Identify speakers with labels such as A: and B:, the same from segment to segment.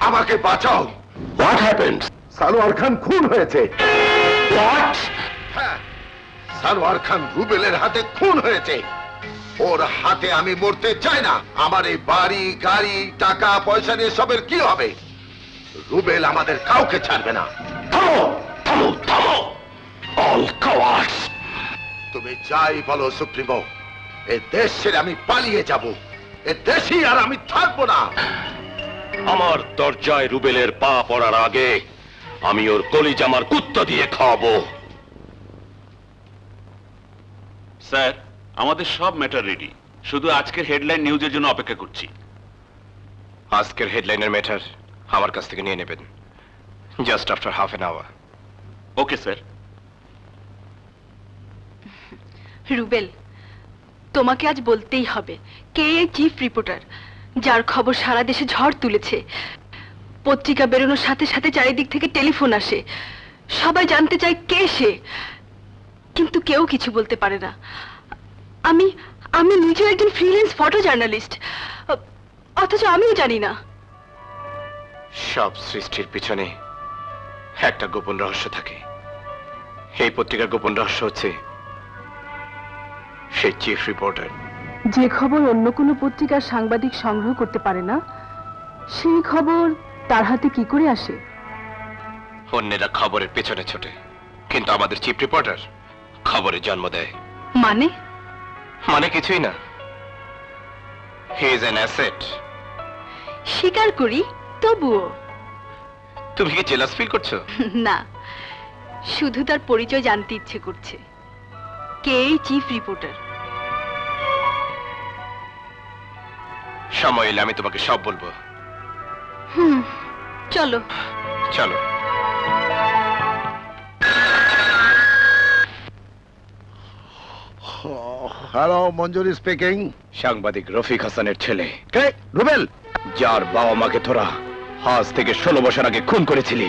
A: আমাকে বাঁচাও।
B: What happened?
A: Salwar খান খুন হয়েছে।
B: হোয়াট?
A: হ্যাঁ, সালোয়ার খান রুবেলের হাতে খুন হয়েছে। ওর হাতে আমি মরতে চাই না। আমার এই বাড়ি গাড়ি টাকা পয়সা নিয়ে সবের কি হবে? রুবেল আমাদের কাউকে ছাড়বে না।
B: থামো থামো থামো, অল কাওয়ার্ডস।
A: তুমি যাই বলো সুপ্রিমো, এ দেশ ছেড়ে আমি পালিয়ে যাব। এ দেশই আর আমি থাকবো না।
B: আমার দরজায় রুবেলের পা পড়ার আগে আমি ওর কলিজামার কুত্তা দিয়ে খাওয়াবো।
C: স্যার, আমাদের সব ম্যাটার রেডি, শুধু আজকের হেডলাইন নিউজের জন্য অপেক্ষা করছি।
B: আজকের হেডলাইনের ম্যাটার আমার কাছ থেকে নিয়ে নেবেন, just after half an hour.
C: Okay sir.
D: Rubel, তোমাকে আজ বলতেই হবে কে এই চিফ রিপোর্টার যার খবর সারা দেশে ঝড় তুলেছে। পত্রিকা বেরোনোর সাথে সাথে চারিদিক থেকে টেলিফোন আসে, সবাই জানতে চায় কে সে, কিন্তু কেউ কিছু বলতে পারে না। আমি আমি নিজেও একজন ফ্রিল্যান্স ফটো জার্নালিস্ট, অথচ আমিও জানি না।
B: সব সৃষ্টির পিছনে একটা গোপন রহস্য থাকে। এই পত্রিকার গোপন রহস্য হচ্ছে সেই চিফ রিপোর্টার।
D: যে খবর অন্য কোনো পত্রিকার সাংবাদিক সংগ্রহ করতে পারে না, সেই খবর তার হাতে কি করে আসে?
B: অন্যেরা খবরের পেছনে ছোটে, কিন্তু আমাদের চিফ রিপোর্টার খবরে জন্ম দেয়।
D: মানে?
B: মানে কিছুই না, হি ইজ অ্যান অ্যাসেট।
D: স্বীকার করি, তবুও।
B: তুমি কি জেলাস ফিল করছো?
D: না, শুধু তার পরিচয় জানতে ইচ্ছে করছে। কে এই চিফ রিপোর্টার?
B: সময় এলে আমি তোমাকে সব বলবো।
D: চলো
B: চলো।
A: Hello, Manjuri speaking.
B: সাংবাদিক রফিক হাসানের ছেলে,
A: কে? রুবেল?
B: যার বাবা মাকে তোরা আজ থেকে 16 বছর আগে খুন করেছিলি।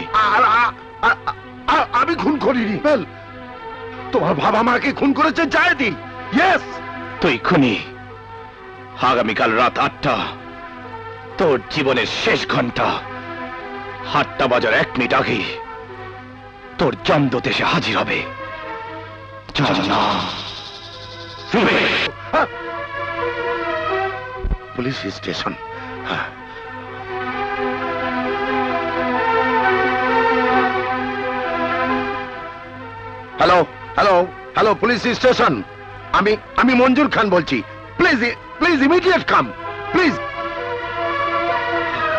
A: আমি খুন করিনি। রুবেল, তোমার বাবা মাকে খুন করেছে জায়েদি। ইয়েস,
B: তুই খুনি। আগামীকাল রাত 8টা, তোর জীবনের শেষ ঘন্টা, 8টা বাজার 1 মিনিট আগে তোর জমদূত এসে হাজির হবে।
A: Police station. Hello hello hello, police station. আমি মঞ্জুর খান বলছি। Please please immediate come, please.